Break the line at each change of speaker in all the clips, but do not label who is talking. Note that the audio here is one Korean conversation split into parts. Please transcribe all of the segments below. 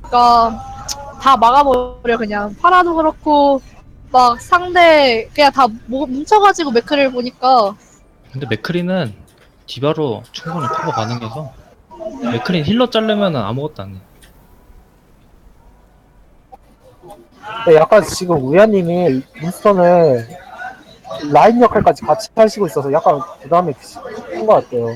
그러니까 다 막아버려 그냥. 파라도 그렇고 막 상대 그냥 다 뭉쳐가지고 맥크리를 보니까.
근데 맥크리는 디바로 충분히 커버 가능해서 맥크리 힐러 자르면은 아무것도 안 해.
근데 약간 지금 우야님이 윈스턴을 라인 역할까지 같이 하시고 있어서 약간 부담이 큰 것 같아요.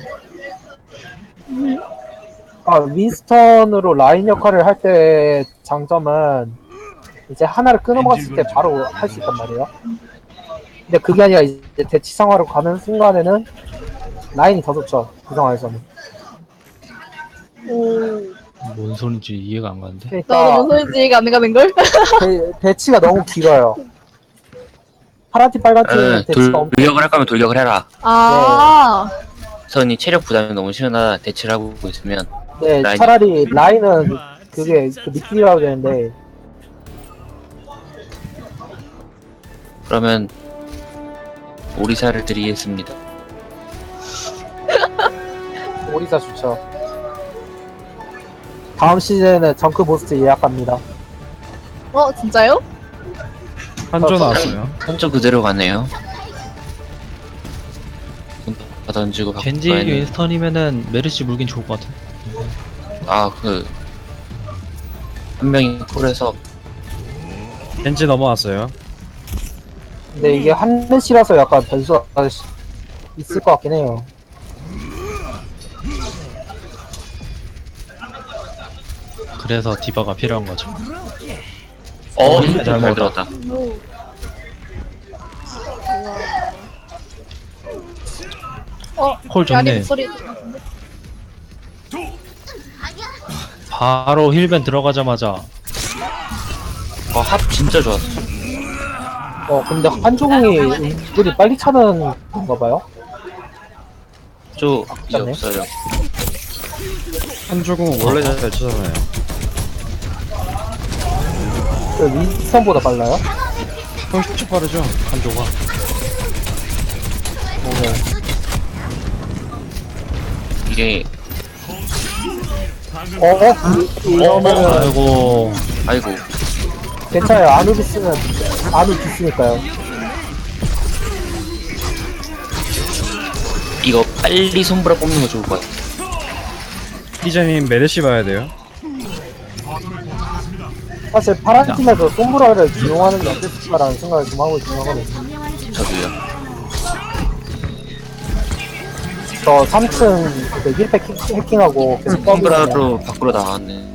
아, 윈스턴으로 라인 역할을 할 때 장점은 이제 하나를 끊어먹었을 때 바로 할 수 있단 말이에요. 근데 그게 아니라 이제 대치 상황으로 가는 순간에는 라인이 더 좋죠. 그 상황에서는.
오.
뭔 소린지 이해가 안 가는데.
나도
그러니까
무슨 소리인지 안 가는 걸?
대치가 너무 길어요. 파란 팀, 빨간 팀 대치가 엄청
돌격을 할 거면 돌격을 해라.
아.
선이 체력 부담이 너무 심하다 대치를 하고 있으면
네,
라인.
차라리 라인은 그게 그 미끼라고 되는데
그러면 오리사를 드리겠습니다.
오리사 좋죠. 다음 시즌에 정크 보스트 예약합니다.
진짜요?
한조 나왔어요.
한쪽 그대로 가네요. 다 던지고
겐지
바꿔야 했는데.
윈스턴이면은 메르시 물긴 좋을 것 같은.
한 명이 콜해서
겐지 넘어왔어요.
근데 이게 한넷이라서 약간 변수가 있을 것 같긴 해요.
그래서 디바가 필요한 거죠.
잘
먹었다.
들었다.
콜
야리
좋네.
목소리.
바로 힐벤 들어가자마자
합 진짜 좋았어.
근데 한조공이 은근히 빨리 차는 건가 봐요?
이제
맞네.
없어요.
한조공 원래 잘 치잖아요.
그 윈스턴보다 빨라요?
훨씬 빠르죠, 한조가.
네.
이게
이러면은
아이고
아이고
괜찮아요. 아누비스는 아누비스니까요.
이거 빨리 손브라 뽑는 거 좋을 것 같아.
피자님 메르시 봐야 돼요.
사실 파란 팀에서 솜브라를 기용하는 게 어땠을까라는 생각을 좀 하고 있긴 하거든요.
저도요.
저 3층 그 힐팩 해킹하고 계속 떠들어요.
손브라로 밖으로 나왔네.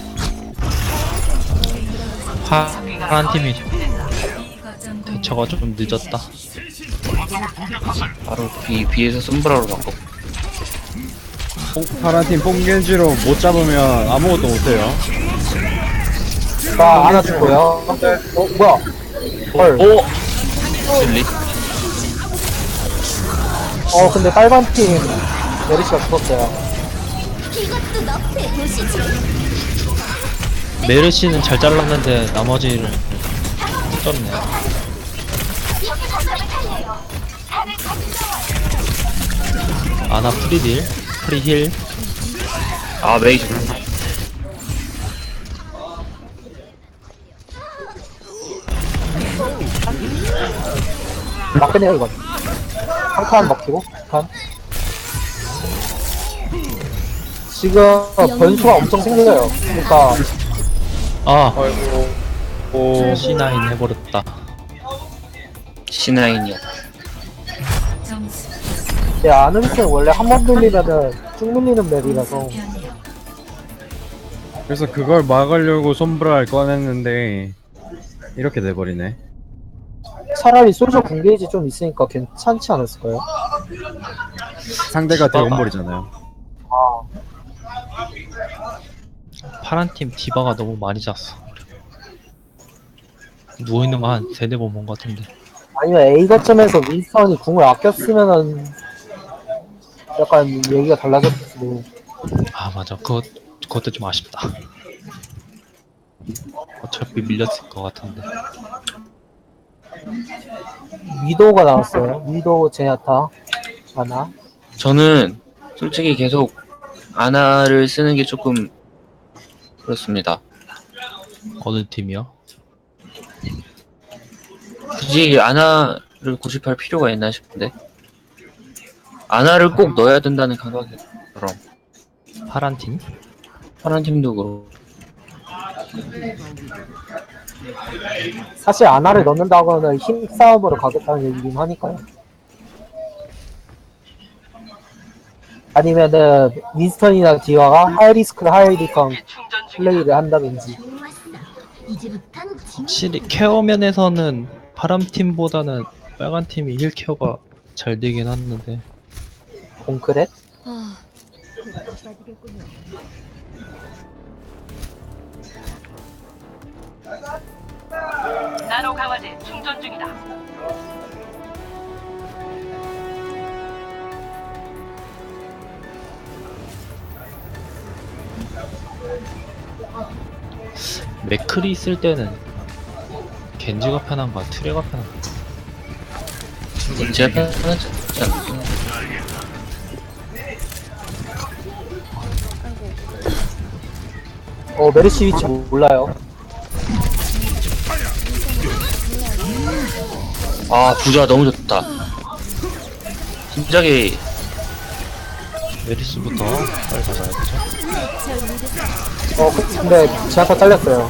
파란 팀이 대처가 좀 늦었다.
바로 비에서 손브라로 바꿔.
파란팀 뽕겐지로 못 잡으면 아무것도 못해요.
나 안아주고요. 뭐야? 헐.
실리?
근데 빨간 팀 메리시가 죽었어요.
메르시는 잘 잘랐는데 나머지를 떴네. 아나 프리딜, 프리힐.
메이 좋네.
막 끝내요 이건. 한 칸 먹히고 한 칸. 지금 변수가 엄청 생겨요. 그러니까
아,
오,
C9 해버렸다.
C9이야.
아누비스는 원래 한 번 돌리면은 쭉 밀리는 맵이라서
그래서 그걸 막으려고 솜브라를 꺼냈는데 이렇게 돼버리네.
차라리 솔저 궁게이지 좀 있으니까 괜찮지 않았을까요?
상대가 대원볼이잖아요.
아,
파란 팀 디바가 너무 많이 잤어. 누워있는 거 한 세네 번 본 것 같은데.
아니면 A 거점에서 윈스턴이 궁을 아꼈으면은 약간 얘기가 달라졌을 수도.
아 맞아, 그것도 좀 아쉽다. 어차피 밀렸을 것 같은데.
위도우가 나왔어요. 위도우 제냐타 아나.
저는 솔직히 계속 아나를 쓰는 게 조금 그렇습니다.
어느 팀이요?
굳이 아나를 고집할 필요가 있나 싶은데. 아나를 꼭 넣어야 된다는 감각이 그럼
파란 팀?
파란 팀도 그렇고.
사실 아나를 넣는다고는 힘싸움으로 가겠다는 얘기긴 하니까요. 아니면은 윈스턴이나 디아가 하이리스크 하이리턴 플레이를 한다든지.
확실히 케어 면에서는 파란 팀보다는 빨간 팀이 힐 케어가 잘 되긴 하는데
공크렛?
나노 강화제 충전 중이다.
맥클이 있을 때는 겐지가 편한가 트레가 편한가.
제가 편하지 않나?
메르시 위치 몰라요.
아 부자 너무 좋다. 진작에
메리스부터 빨리 잡아야 되죠.
근데 제한타 잘렸어요.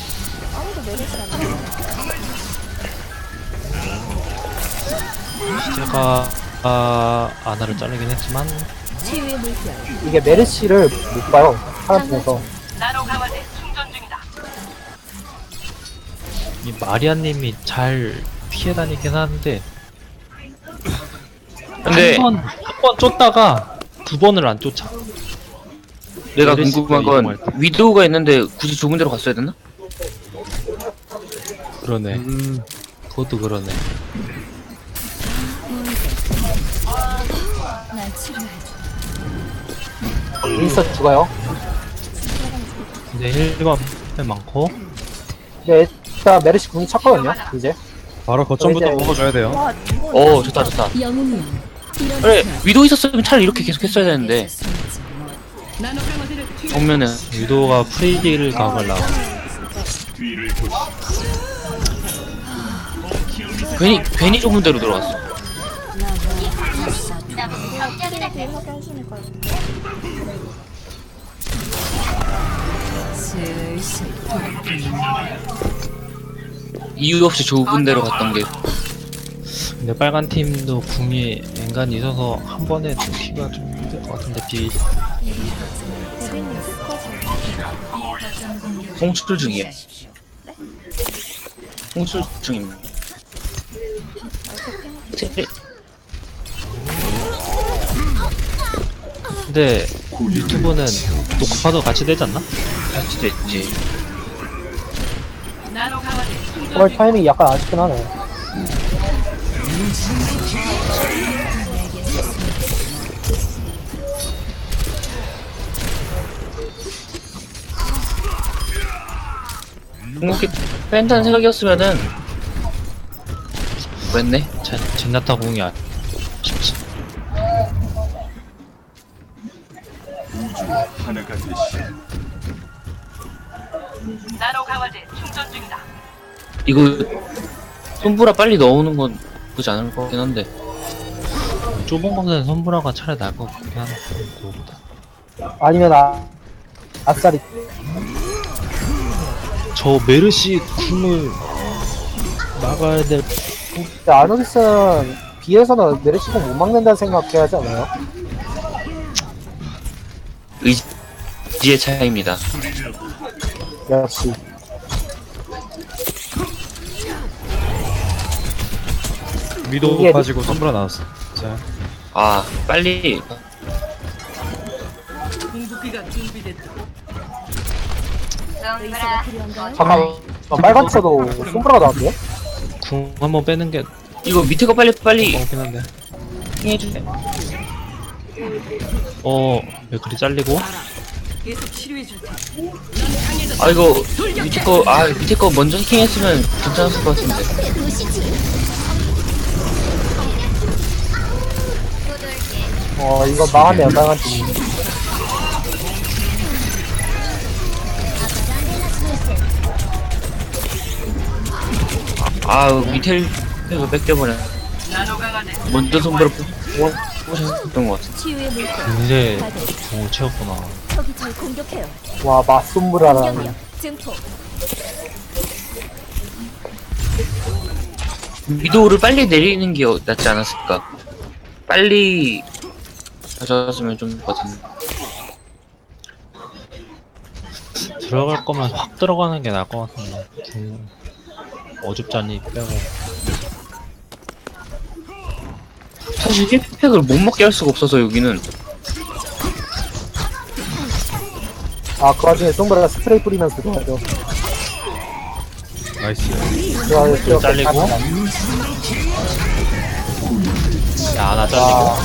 제가 아나를 자르긴 했지만
이게 메르시를 못 봐요. 파란 팀에서.
나노 강화제 충전 중이다.
이 마리아님이 잘 피해 다니긴 하는데
근데
한 번 쫓다가 두 번을 안 쫓아.
내가
메르시가
궁금한 건
이동할 때.
위도우가 있는데 굳이 좁은 데로 갔어야 됐나?
그러네. 그것도 그러네.
윈스턴 죽어요.
근데 힐만 많고
근데 일단 메르시 궁이 찼거든요. 이제.
바로 거점부터
이제-
먹어줘야 돼요.
좋다 좋다. 그래 위도우 있었으면 차라리 이렇게 계속 했어야 되는데 정면은
유도가 프리딜 각을 나와.
괜히 좁은 데로 들어갔어. 이유 없이 좁은 데로 갔던 게
근데 빨간 팀도 궁이 앵간히 있어서 한 번에 죽기가 좀 힘들 것 같은데
송출 중이에요. 송출 중입니다.
근데 유튜브는 녹화도 같이 되지 않나?
같이 됐지.
나노 강화제 충전
그럴 타이밍이 약간 아쉽긴 하네요.
궁극기 뺀다는 생각이었으면은 왜했네?
젠나타 궁이 아쉽지.
나노 강화제 충전 중이다.
이거 손보라 빨리 넣어오는 건 나쁘지 않을 것 같긴 한데
좁은 곳에는 선브라가 차라리 나을 것 같긴 하네. 그거보다.
아니면 아싸리.
저 메르시 궁을 막아야 될.
근데 아누비스는 B에서는 메르시 궁못 막는다는 생각해야 하지 않아요?
의지의 차이입니다.
역시.
위도
이게-
빠지고 선브라 나왔어. 자,
아 빨리
궁극기가 준비됐다.
잠깐, 빨간 쳐도 솜브라가 나왔네요?
궁 한번 빼는 게
이거 밑에 거 빨리
먹긴 한데.
해주세요.
맥클이 잘리고.
계속 치료해 줄 테니.
아 이거 밑에 거 먼저 해킹했으면 괜찮았을 것 같은데.
이거 망하네요, 빨간 팀이.
밑에 그 뺏겨버려.
나노 강화제
먼저 손보라 보셨던 것 같아.
치유의 물결.
근데
다들
공을 채웠구나.
적이 절 공격해요.
와 맞솜브라라는
공격력 증폭.
위도우를 빨리 내리는 게 낫지 않았을까? 빨리 가져왔으면 좀 좋거든.
들어갈 거면 확 들어가는 게 나을 것 같은데. 어줍잖니 빼고.
사실 힐팩을 못 먹게 할 수가 없어서 여기는.
그 와중에 솜브라가 스프레이 뿌리면서 들어가죠.
나이스.
좋아요.
잘리고. 야, 하나 잘리고.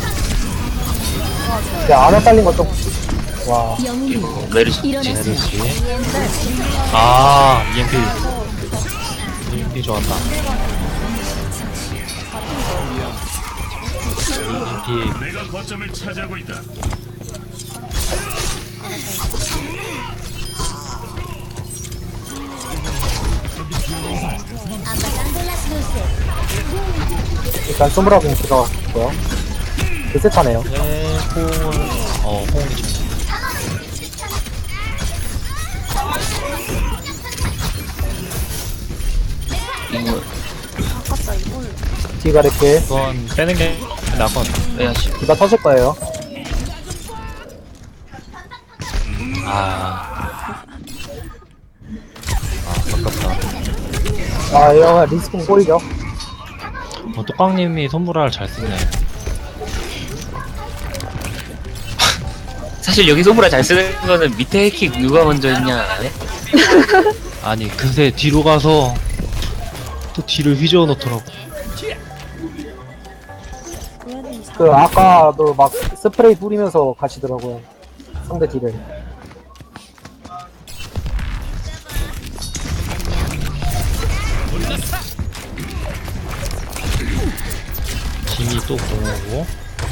야 안아 잘린 것좀 와.
영웅이
메리시.
일어나세요.
메르시. 아, EMP. EMP 좋았다. EMP.
내가 거점을 차지하고 있다.
일단 솜브라 공 들어갔고요. 개세차네요.
네, 호응을. 호응이 좀.
이거
디가 이렇게
이건 빼는 게 나을 것 같아.
빼야지.
디가 터질 거예요.
아깝다.
이거 리스폰 꼬이죠.
뚜깡님이 손보라를 잘 쓰네.
사실 여기 손보라 잘 쓰는 거는 밑에 해킥 누가 먼저 했냐 안 해?
아니, 그새 뒤로 가서 또 뒤를 휘저어 놓더라고.
아까도 막 스프레이 뿌리면서 가시더라고요. 상대 딜을.
짐이 또 공오고.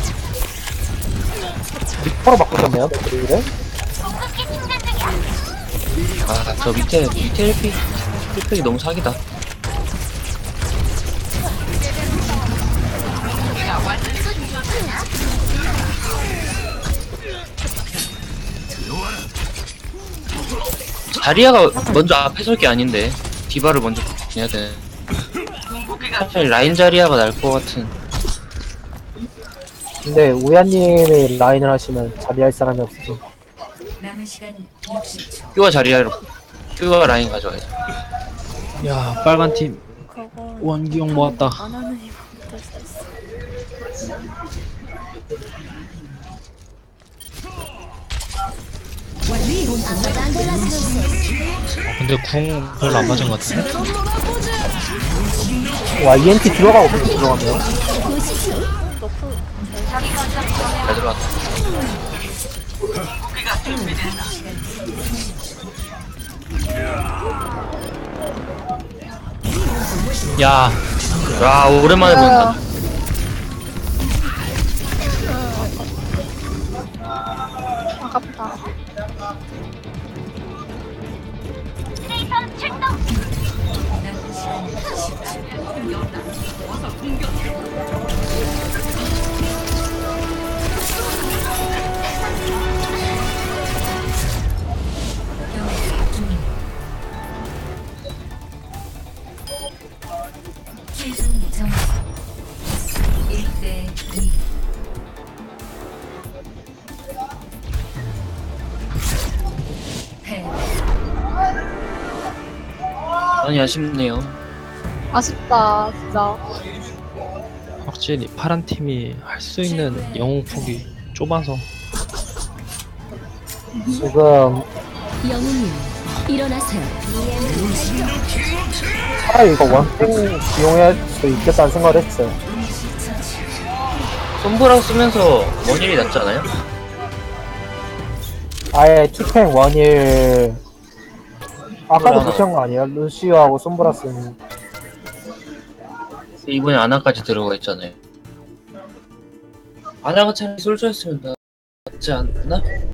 리퍼로 바꾸셨네요, 딜을.
저 밑에 힐팩이 너무 사기다. 자리아가 먼저 앞에 설 게 아닌데 디바를 먼저 해야 돼. 사실 라인 자리아가 날 것 같은.
근데 우야님이 라인을 하시면 자리할 사람이 없어서.
남은 시간 60초.
큐가 라인 가져와야지.
야, 빨간 팀 원기용 모았다. 근데 궁 별로 안 맞은 것 같은데?
와, EMP 들어가고 계속 들어가네요.
잘 들어왔다.
야,
와 오랜만에 본다.
아깝다.
최종 점수 1대 2. 패.
많이 아쉽네요.
아쉽다, 진짜.
확실히 파란 팀이 할 수 있는 영웅 폭이 좁아서.
지금
영웅님 일어나세요.
차라리 이거 원탱 이용할 수 있겠다는 생각을 했어요.
손보라 쓰면서 원일이 낫지 않아요?
아예 투탱 원일 아까도
손브라.
무시한 거 아니에요? 루시오하고 솜브라스는
이번에 아나까지 들어가 있잖아요. 아나가 차라리 솔저였으면 낫지 않나?